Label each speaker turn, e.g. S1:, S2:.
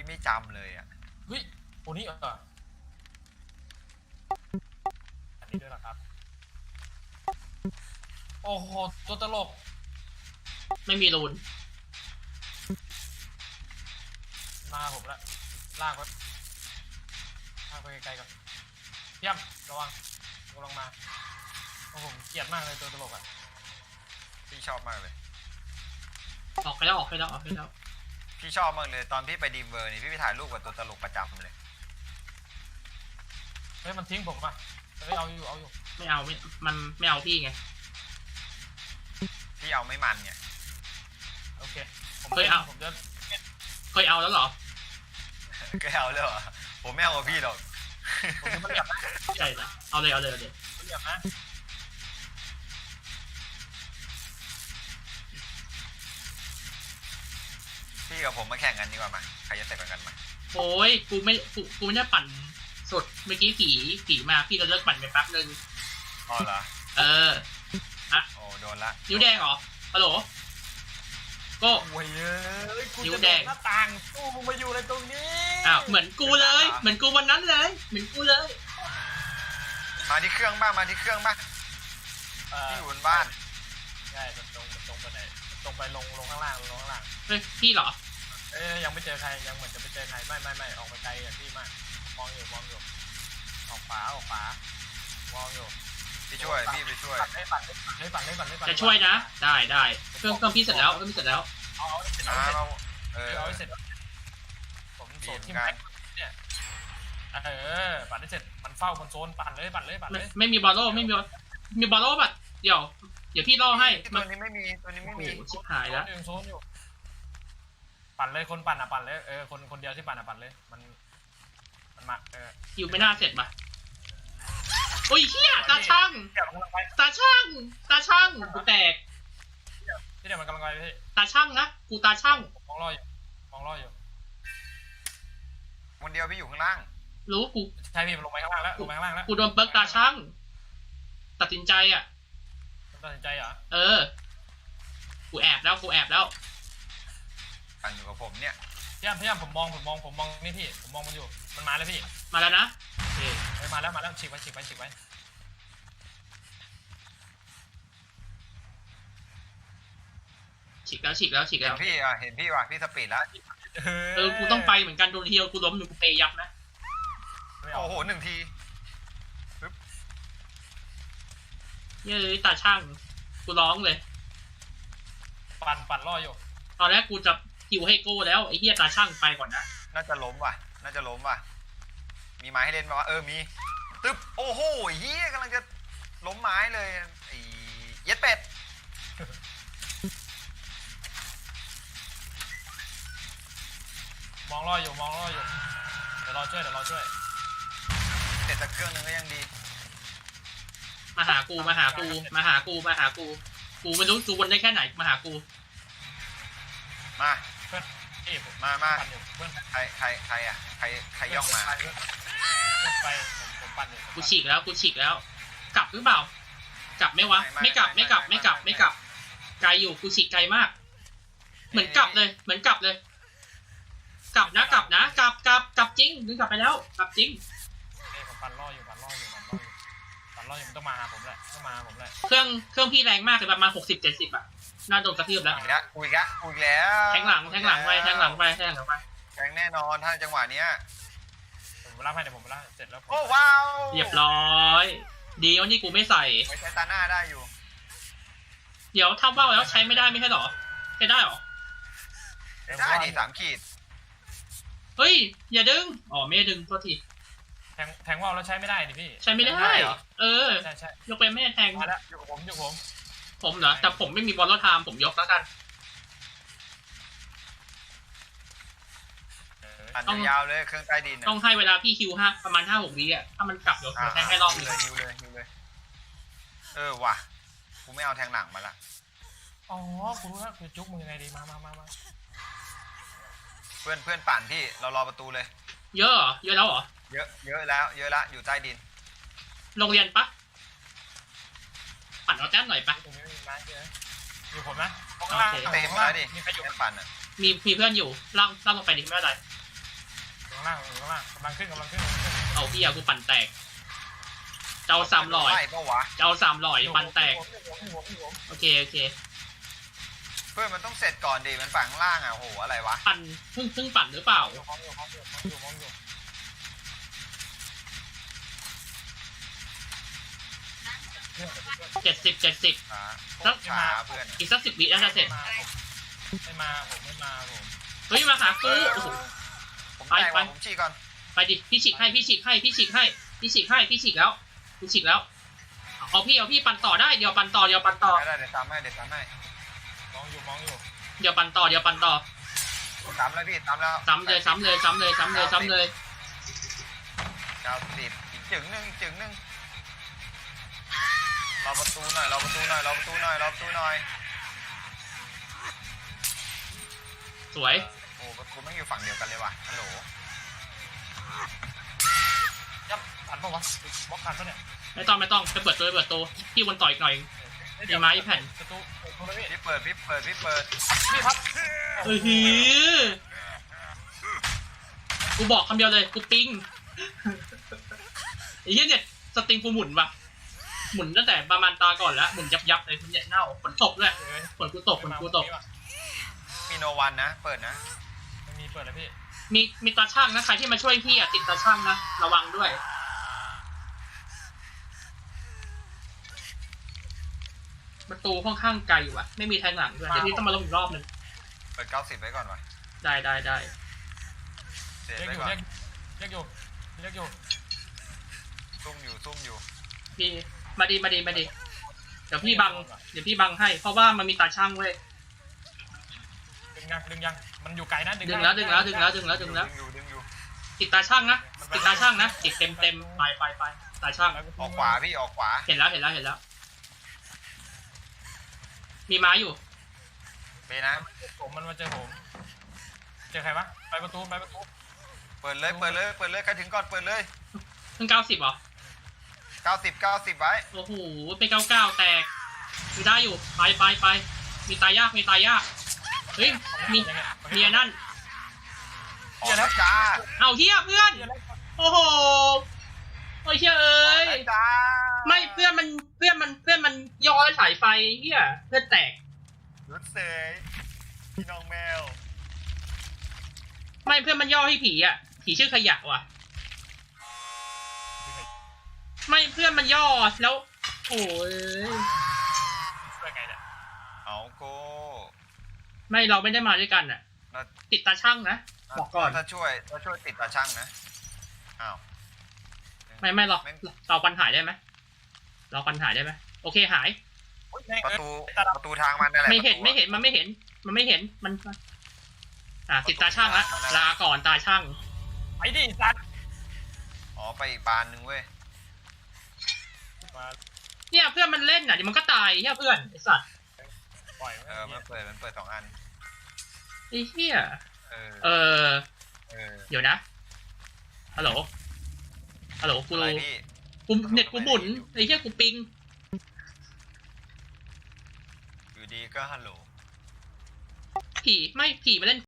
S1: ไม่จำเลยอ่ะ
S2: เฮ้ยโอ้นี่อันนี้ด้วยเหรอครับโอ้โหตัวตลก
S3: ไม่มีรูน
S2: มาผมละลากไปไกลๆก่อนเยี่ยมระวังลงมาโอ้ผมเกลียดมากเลยตัวตลกอ่ะ
S1: พี่ชอบมากเลย
S3: ออกไปแล้ว
S1: พี่ชอบมากเลยตอนพี่ไปดีมเวอร์นี่พี่ไปถ่ายรูปกับตัวตลกประจำเลย
S2: เฮ้ยมันทิ้งผมป่ะเฮ้ยเอาอยู่
S3: ไม่เอามันไม่เอาพี่ไง
S1: พี่เอาไม่มันไง
S2: โอเค
S3: เคยเอาแล้วเหรอ
S1: ก็เอาเลยเหรอผมไม่เอากับพี่หรอก
S2: ผมจะไม่เหยียบนะ
S3: ใช่ละเอาเลย
S2: ไม่เหยียบนะ
S1: พี่กับผมมาแข่งกันดีกว่ามาใครจะเสร็จก่อนกันมา
S3: โอ้ยกูไม่ได้ปั่นสดเมื่อกี้ผีมาพี่ก็เลิกปั่นไปแป๊บนึง
S1: อ๋อเหรอ
S3: อะ
S1: โอ้โดนละ
S3: นิ้วแดงเหรอฮัลโหลก็
S2: โอ้ย
S3: นิ้วแดง
S2: หน้าต่างตู้มึงมาอยู่ในตรงนี้
S3: อ้าวเหมือนกูเลยเหมือนกูวันนั้นเลยเหมือนกูเลย
S1: มาที่เครื่องบ้างที่อยู่บนบ้าน
S2: ใช่มันตรงไปไหนตรงไปลงข้างล่าง
S3: เฮ้ยพี่เหรอ
S2: ยังไม่เจอใครยังเหมือนจะไปเจอใครไม่ออกไปไกลอย่างพี่มากมองอยู่ออกขวามองอยู่
S1: พี่ช่วยพี่ไปช่วย
S2: ปั่น
S3: จะช่วยนะได้เครื่องพี่เสร็จแล้ว
S2: เอาให้เสร็จผมโซนที่มันเนี่ยปั่นให้เสร็จมันเฝ้าบนโซนปั่นเลย
S3: ไม่มีบอลโล่มีบอลโล่ป่ะเดี๋ยวพี่ล่อให้
S1: ตัวนี้ไม่มี
S3: ชิบหายแล้ว
S2: โซนอยู่ปั่นเลยคนปั่นปั่นเลยคนเดียวที่ปั่นปั่นเลยมันมา
S3: คิวไม่น่าเสร็จป่ะโอ้ยเฮียตาช่างกูแตก
S2: ที่เดี๋ยวมันกำลังไปพี่
S3: ตาช่างนะกูตาช่าง
S2: มองรออยู่
S1: คนเดียวพี่อยู่ข้างล่าง
S3: รู้กู
S2: ใช่พี่มันลงไปข้างล่างแล้ว
S3: กูโดนเบิร์กตาช่างตัดสินใจเหรอกูแอบแล้ว
S1: ปั่นอยู่กับผมเนี่ย
S2: พยายามผมมองนี่พี่ผมมองมันอยู่มันมาแล้วพี่
S3: มาแล้วนะ
S2: มาแล้วฉีกไว้
S3: ฉีกแล้ว
S1: เห็นพี่ว่ะพี่สปีดแล้ว
S3: กูต้องไปเหมือนกันโดนเทียวกูล้มกูเปย์ยับนะ
S1: โอ้โห1 ที
S3: เย้ยตาช่างกูร้องเลย
S2: ปั่นล่ออยู่
S3: ตอนแรกกูจะคิวให้โก้แล้วไอ้เหี้ยตาช่างไปก่อนนะ
S1: น่าจะล้มว่ะมีไม้ให้เล่นป่ะมีตึ๊บโอ้โหเหี้ยกำลังจะล้มไม้เลยไอ้เย็ดเป็ด
S2: มองล่ออยู่เดี๋ยวรอช่วย
S1: เสร็จสักเครื่องนึงก็ยังดี
S3: มาหากูกูไม่รู้กูวนได้แค่ไหนมาหากู
S1: มา
S2: เพื่อน
S1: ใครย่องมา
S2: ไปผมปั่นอยู่
S3: กูฉีกแล้วกลับหรือเปล่ากลับไหมวะไม่กลับไกลอยู่กูฉีกไกลมากเหมือนกลับเลยกลับนะกลับจริงนึกกลับไปแล้วกลับจริง
S2: ผมปั่นล่ออยู่มันต้องมาหาผมแหละ
S3: เครื่องพี่แรงมากเลยประมาณ60-70อ่ะน่าโดนกระทืบแล้ว
S1: กูอีกแล้ว
S3: แทงหลังไปแทง
S1: แน่นอนถ้าจังหวะเนี้ย
S2: ผมรับให้เดี๋ยวผมรับเสร็จแล้ว
S1: โอ้ว้าว
S3: เรียบร้อยดีวันนี้กูไม่ใส่
S1: ใช้ตาหน้าได้อยู่
S3: เดี๋ยวถ้าว่าวแล้วใช้ไม่ได้ไม่ใช่หรอใช้ได้หรอ
S1: ได้ดิ3 ขีด
S3: เฮ้ยอย่าดึงไม่ดึงโทษที
S2: แทงว่าวแล้วใช้ไม่ได้ดิพี่
S3: ใช้ไม่ได้ใช่ยกไปไม่แทง
S2: มาแล้วอยู่กับ
S3: ผมเหรอแต่ผมไม่มีบอลล์ไทม์ผมยกแล้วกัน
S1: ต้องยาวเลยเครื่องใต้ดิน
S3: ต้องให้เวลาพี่คิวประมาณ5-6 วิอ่ะถ้ามันกลับเดี๋ยวแทงให้รอบนึง
S1: ฮิวเลยว่ะกูไม่เอาแทงหลังมาละ
S2: กูรู้แล้วคือจุ๊กมึงยังไงดีมา
S1: เพื่อนปั่นพี่เรารอประตูเลย
S3: เยอะแล้วเหรอ
S1: เยอะแล้วอยู่ใต้ดิน
S3: โรงเรียนปะปั่นเอาแต้มหน่อยปะ
S2: อยู่ผมนะ
S1: เต็มแล้วดิมีใครอยู่ปั่นอ่ะ
S3: มีเพื่อนอยู่ล่างลงไปดิไม่เป็นไร
S2: ข้างล่างกำลังขึ้น
S3: เอาพี่เอากูปั่นแตกเจ้า300
S1: ไล่ปะวะ
S3: เจ้า300ปั่นแตกโอเค
S1: เพื่อนมันต้องเสร็จก่อนดิมันฝั่งข้างล่างอ่ะโหอะไรวะ
S3: ปั่นเพิ่งปั่นหรือเปล่า
S2: อยู่
S3: 70
S1: ช้าโคตรช้าเพื่อน
S3: อีกสัก10 วิน่าจะเสร็จ
S2: ไม่มาผม
S3: เฮ้ยมาหากูโอ้โห
S1: ผม
S3: ไป
S1: แตก
S3: ไป
S1: ว่ะผมชี้ก่อน
S3: ไปดิพี่ฉีกแล้วพี่ฉีกแล้วเอาพี่ปั่นต่อได้เดี๋ยวปั่นต่อ
S1: ได้เดี๋ยวซ้ำให้
S2: มองอยู่
S3: เดี๋ยวปั่นต่อ
S1: ซ้ำแล้วพี่ซ้ำแล้ว
S3: ซ้ำเลย
S1: 90อีกจึงหนึ่งรอประตูหน่อย
S3: สวย
S1: โอ้ประตูไม่งอยู่ฝั่งเดียวกันเลยว่ะฮัลโหล
S2: ยับทันปะวะบล็อกทันปะเนี่ย
S3: ไม่ต้องไปเปิดตัวพี่วนต่ออีกหน่อยมีไม้แผ่น
S2: ประตูเลยพี่
S1: พี่เปิด
S2: พี่ครับ
S3: เฮ้ยกูบอกคำเดียวเลยกูปิ้งไอ้เหี้ยเนี่ยสตรีมกูหมุนว่ะหมุนตั้งแต่ประมาณตาก่อนแล้วหมุนยับเลยคุณเนี่ยเน่าฝนตกด้วยฝนกูตก
S1: มีโนวันนะเปิดนะ
S2: ไม่มีเปิดเลยพี่
S3: มีตาช่างนะใครที่มาช่วยพี่อ่ะติดตาช่างนะระวังด้วยประตูค่อนข้างไกลว่ะไม่มีทางหลังด้วยเดี๋ยวพี่ต้องมาลงอีกรอบนึง
S1: เปิด90ไว้ก่อนวะ
S3: ได้
S1: เสร็จ
S2: เรียก
S1: ไว้
S2: อยู่
S1: ก่อน
S2: เรียกอยู่
S1: ซุ่มอยู่
S3: พี่มาดีเดี๋ยวพี่บังให้เพราะว่ามันมีตาช่างเว้ย
S2: ดึงยังมันอยู่ไกลนะ
S3: ดึงแล้ว
S1: ดึงอยู่
S3: ติดตาช่างนะติดเต็มไปตาช่าง
S1: ออกขวาพี่ออกขวา
S3: เห็นแล้วมีไม้อยู่
S1: ไปนะ
S2: ผมมันมาเจอผมเจอใครวะไปประตู
S1: เปิดเลยใครถึงก่อนเปิดเลย
S3: เพิ่ง90เหรอ
S1: 90ไว้
S3: โอ้โหเป็น99แตกมีได้อยู่ไปมีตายยากเฮ้ยมีอันนั่น
S1: ออกแล้วจ้า
S3: เอาเฮียเพื่อนโอ้โหโอ้ยเชี่ยเอ้ย
S1: จ้า
S3: ไม่เพื่อนมันย้อยสายไฟเฮียเพื่อนแตก
S1: รถเสยพี่น้องแมว
S3: ไม่เพื่อนมันย่อให้ผีอ่ะผีชื่อขยะว่ะไม่เพื่อนมันย่อแล้วโอ้ย
S2: เปิดไงเนี่ย
S1: เอาโก้
S3: ไม่เราไม่ได้มาด้วยกันอ่ะติดตาช่างนะบอกก่อน
S1: ถ้าช่วยติดตาช่างนะอ้าว
S3: ไม่หรอกเราปัญหาได้ไหมโอเคหาย
S1: ประตูทางมันนั่นแหละ
S3: ไม่เห็นมันไม่เห็นมันติดตาช่างละลาก่อนตาช่าง
S2: ไปดิสัตว์
S1: อ๋อไปอีกบานหนึ่งเว้ย
S3: เนี่ยเพื่อนมันเล่นอ่ะเดี๋ยวมันก็ตายเพื่อนไอสัตว์
S2: ปล่อย
S1: มันเปิด2 อัน
S3: ไอ้เหี้ย
S1: เออ
S3: เดี๋ยวนะฮัลโหลกู
S1: อะไรพี่
S3: เน็ตกูหมุนไอ้เหี้ยกูปิง
S1: อยู่ดีก็ฮัลโหล
S3: ผีมาเล่น